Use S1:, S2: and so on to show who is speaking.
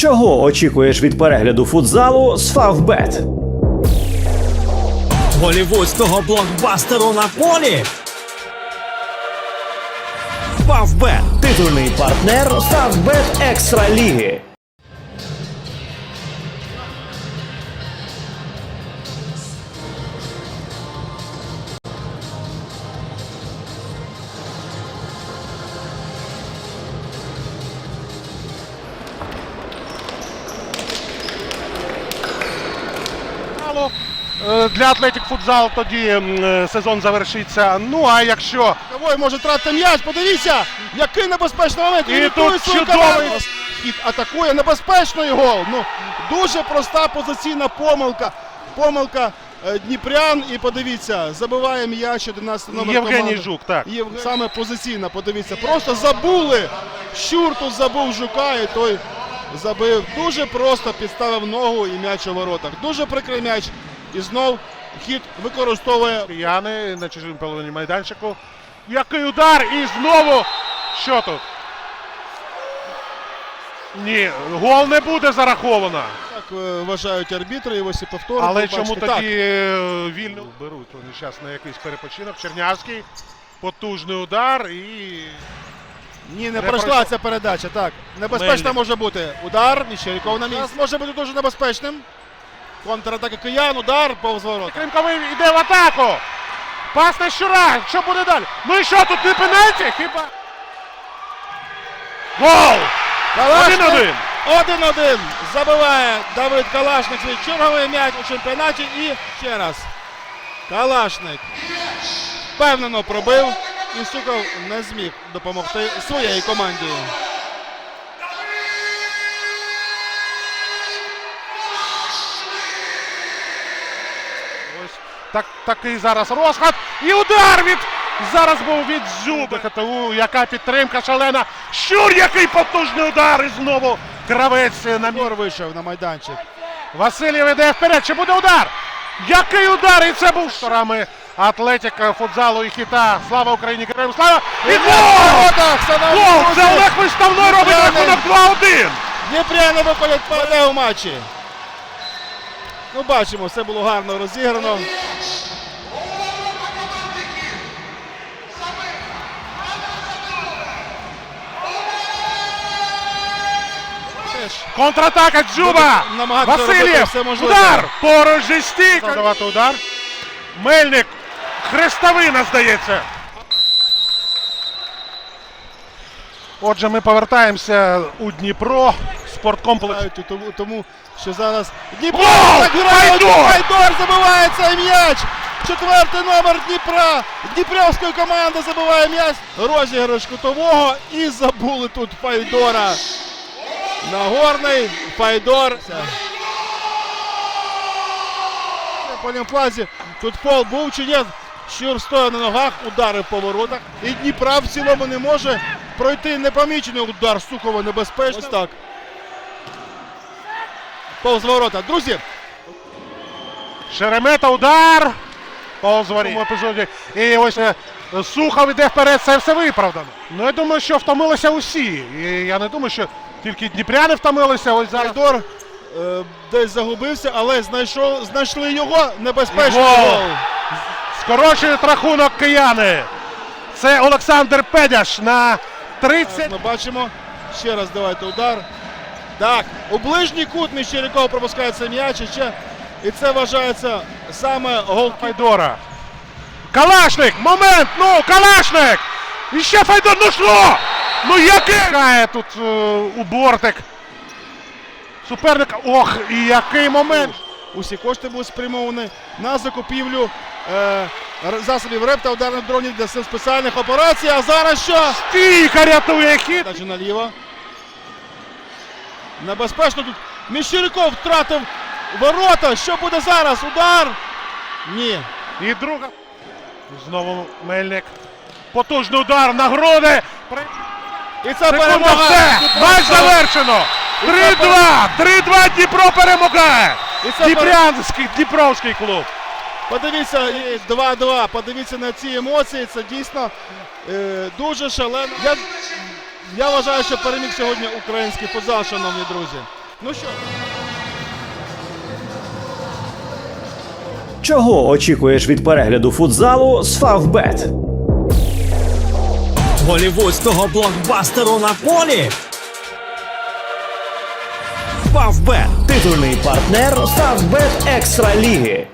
S1: Чого очікуєш від перегляду футзалу з Фавбет?
S2: Голівудського блокбастеру на полі? Фавбет
S1: – титульний партнер Фавбет Екстра Ліги.
S3: Для Атлетік Футзал тоді сезон завершиться. Ну а якщо
S4: Ой, може тратити м'яч, подивіться, який небезпечний момент.
S3: І
S4: Імітує
S3: тут
S4: свою
S3: чудовий
S4: команду. Хід атакує, небезпечний гол. Ну, дуже проста позиційна помилка. Помилка дніпрян. І подивіться, забиває м'яч 11 номер
S3: Євгеній
S4: команди.
S3: Жук, так.
S4: Саме позиційна, подивіться. Просто забули. Щур тут забув Жука і той забив. Дуже просто підставив ногу і м'яч у воротах. Дуже прикрий м'яч. І знов хід використовує.
S3: Кияни на чужому половині майданчику. Який удар! І знову. Що тут? Ні, гол не буде зараховано.
S4: Так вважають арбітри, і ось і повтори.
S3: Але
S4: ви
S3: чому
S4: бачите.
S3: тоді вільно беруть вони зараз на якийсь перепочинок? Чернявський. Потужний удар і...
S4: Ні, не пройшла ця передача. Так, небезпечна
S3: Мельник.
S4: може бути. Удар, Міщеріков на місці. Може бути дуже небезпечним. Контратака киян, удар, повз ворота.
S3: Кримковий йде в атаку. Пас на Щура. Що буде далі? Ну і що, тут не пенальті? Хіба? Гол! 1-1.
S4: 1-1. Забиває Давид Калашник свій черговий м'яч у чемпіонаті. І ще раз. Калашник впевнено пробив. І Сухов не зміг допомогти своєї команді.
S3: Ось такий зараз розход. І удар від... Зараз був від Зюби. ХТУ, яка підтримка шалена. Щур, який потужний удар. І знову Кравець на
S4: Гор вийшов на майданчик.
S3: Васильєв іде вперед. Чи буде удар? Який удар? І це був шторами Атлетік Футзалу і Хіта. Слава Україні! Героям слава! І гол! Гол! Це Олег Виставной робить рахунок 2-1.
S4: Дніпряни виходять вперед у матчі. Ну, бачимо, все було гарно розіграно.
S3: Контратака Дзюба!
S4: Буде намагатися робити
S3: Васильєв!
S4: все можливе.
S3: Удар! Поруч зі стійкою! Давати удар. Мельник! Хрестовина, здається. Отже, ми повертаємося у Дніпро. Спорткомплекс.
S4: Тому що зараз Дніпро
S3: Гол!
S4: так грає.
S3: Файдор!
S4: Файдор забиває цей м'яч. 4-й номер Дніпра. Дніпрівської команди забиває м'яч. Розіграш кутового. І забули тут Файдора. Нагорний. Файдор. На полімплазі. Тут фол був чи ні? Щур стоїть на ногах, удари по воротах. І Дніпра в цілому не може пройти непомічений удар. Сухова небезпечно. Ось так. Повз ворота. Друзі.
S3: Шеремета, удар. Повз воріт. В епізоді. І ось Сухов іде вперед, це все виправдано. Ну, я думаю, що втомилися усі. І я не думаю, що тільки дніпряни втомилися. Ось зараз.
S4: Файдор десь загубився, але знайшли його. Небезпечний
S3: Гол.
S4: гол.
S3: Скорочують рахунок кияни. Це Олександр Педяш на 30.
S4: Ми бачимо. Ще раз давайте удар. Так, у ближній кут Міщеріков пропускає цей м'яч. І це вважається саме гол
S3: Файдора. Калашник! Момент! Ну, Калашник! І ще Файдор! Ну що? Ну який? Кає тут у бортик. Суперника. Ох, і який момент!
S4: Усі кошти будуть спрямовані на закупівлю засобів РЕП та ударних дронів для сил спеціальних операцій. А зараз що?
S3: Стійка рятує хід.
S4: Далі наліво. Небезпечно тут. Міщеріков втратив ворота. Що буде зараз? Удар? Ні.
S3: І друга. Знову Мельник. Потужний удар на груди.
S4: І це
S3: Секунда,
S4: перемога.
S3: все. Матч завершено. 3-2. 3-2 Дніпро перемагає. Дніпровський клуб.
S4: Подивіться, 2-2. Подивіться на ці емоції. Це дійсно дуже шалено. Я вважаю, що переміг сьогодні український футзал, шановні друзі. Ну що?
S1: Чого очікуєш від перегляду футзалу з Фавбет?
S2: Голівудського блокбастеру на полі. Фавбет.
S1: Титульний партнер Фавбет Екстра Ліги.